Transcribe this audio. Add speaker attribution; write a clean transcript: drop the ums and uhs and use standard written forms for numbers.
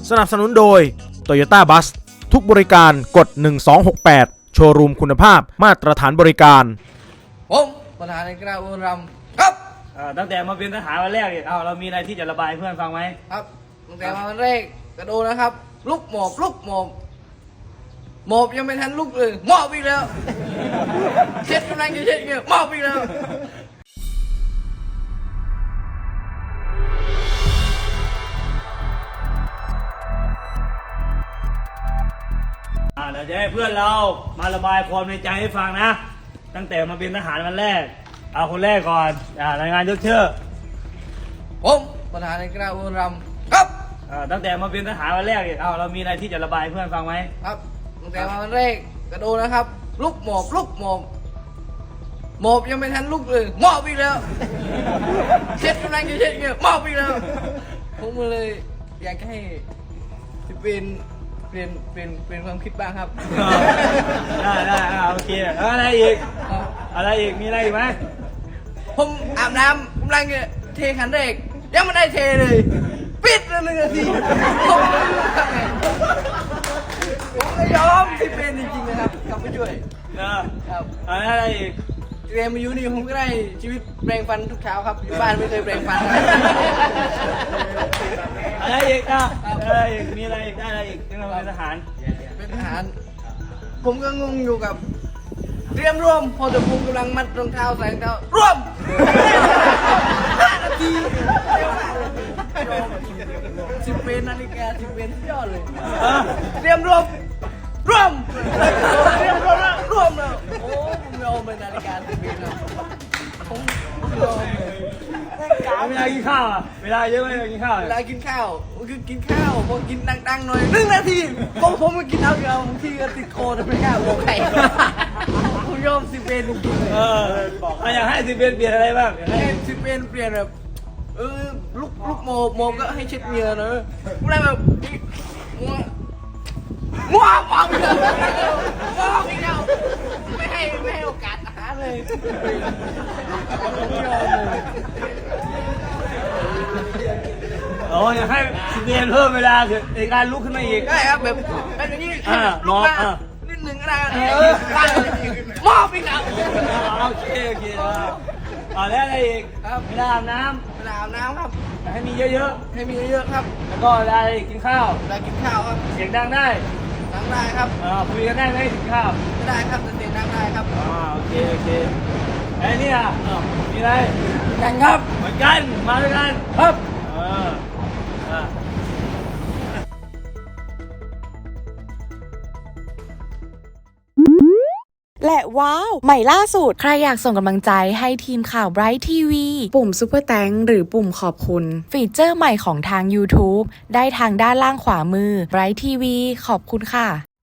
Speaker 1: สนับสนุนโดย Toyota Bus ทุกบริการกด1268โชว์รูมคุณภาพมาตรฐานบริการ
Speaker 2: ผมประธานในคณะบุญรำครับ
Speaker 3: ตั้งแต่มาเป็นทหารวันแรกเนี่ยเรามีอะไรที่จะระบายเพื่อนฟังไหม
Speaker 2: ครับตั้งแต่มาวันแรกกระโดดนะครับลุกหมอบหมอบยังไม่ทันลุกเลยหมอบอีกแล้วเช็ดกำลังจะเช็ดเงี้ยหมอบอีกแล้ว
Speaker 3: เราจะให้เพื่อนเรามาระบายความในใจให้ฟังนะตั้งแต่มาเป็นทหารวันแรกเอาคนแรกก่อนรายงานยกชื่อ
Speaker 2: ผมประธานในคณะบุญรำครับ
Speaker 3: ตั้งแต่มาเป็นทหารวันแรกเนี่ยเรามีอะไรที่จะระบายเพื่อนฟังไหม
Speaker 2: ครับตั้งแต่มาวันแรกกระโดดนะครับลุกหมอบหมอบยังไม่ทันลุกเลยหมอบอีกแล้วเช็ดกำลังจะเช็ดเงี้ยหมอบอีกแล้วผมเลยอยากให้เปลี่ยนความคิดบ้างครับ
Speaker 3: ได้โอเคอะไรอีกมีอะไรอีกไหม
Speaker 2: ผมอาบน้ำกำลังจะเทขันแรกยังไม่ได้เทเลยปิดเลย1 นาทีผมไม่ยอมที่เป็นจริงๆนะครับกลับไปช่วย
Speaker 3: ครับอะไรอีก
Speaker 2: เรียนมาอยู่นี่ผมก็ได้ชีวิตแปรงฟันทุกเช้าครับอยู่บ้านไม่เคยแปรงฟัน
Speaker 3: อะไรอีกอะไรอีกมีอะไรอีกได้อะไรอีกที่เราเป็นทหาร
Speaker 2: ผมก็งงอยู่กับเตรียมร่วมพอจะภูมิกำลังมัดรองเท้าใส่รองเท้าร่วม5 นาที10 เป็นนาฬิกา10 เป็นยอดเลยเตรียมร่วมเตรียมร่วมแล้วโอ้ผมยอมเป็นนาฬิกา10 เป็นนะผมยอมเลย
Speaker 3: เวลากินข้าวเวลาเยอะไหมกินข้าว
Speaker 2: เวลากินข้าวคือกินข้าวพอกินดังๆหน่อย1 นาทีผมก็กินเอาเดียวบางทีก็ติดคอแต่ไม่กล้าบอกใครผมยอม10 เป็นจริงๆ
Speaker 3: บอกอยากให้10 เป็นเปลี่ยนอะไรบ้าง
Speaker 2: ให้10 เป็นเปลี่ยนแบบลุกโมก็ให้เช็ดเหงื่อเนอะอะไรแบบมัวมองเลยไม่ให้โอกาสอาหารเลย
Speaker 3: อยากให้10 เป็นเพิ่มเวลาในการลุกขึ้นมาอีก
Speaker 2: ได้ครับแบบอย่างนี้
Speaker 3: นอน
Speaker 2: นิดหนึ่งก็ได้มอบอีกแล้ว
Speaker 3: โอเคแล้วอะไรอีก
Speaker 2: ครับ
Speaker 3: เวลาอาบน้
Speaker 2: ำครับ
Speaker 3: ให้มีเยอะ
Speaker 2: ครับ
Speaker 3: แล้วก็อะไรกินข้าว
Speaker 2: ครับ
Speaker 3: เสียงดังได้
Speaker 2: ครับ
Speaker 3: คุยกันได้ไหมกินข้าว
Speaker 2: ไม่ได้ครับแต่เสียงดังได้ครับ
Speaker 3: โอเคไอ้นี่มีอะไร
Speaker 2: กันครับ
Speaker 3: เหมือนกันมาด้วยกัน
Speaker 2: ครับ
Speaker 4: และว้าวใหม่ล่าสุดใครอยากส่งกำลังใจให้ทีมข่าว Bright TV ปุ่ม Super Thanks หรือปุ่มขอบคุณฟีเจอร์ใหม่ของทาง YouTube ได้ทางด้านล่างขวามือ Bright TV ขอบคุณค่ะ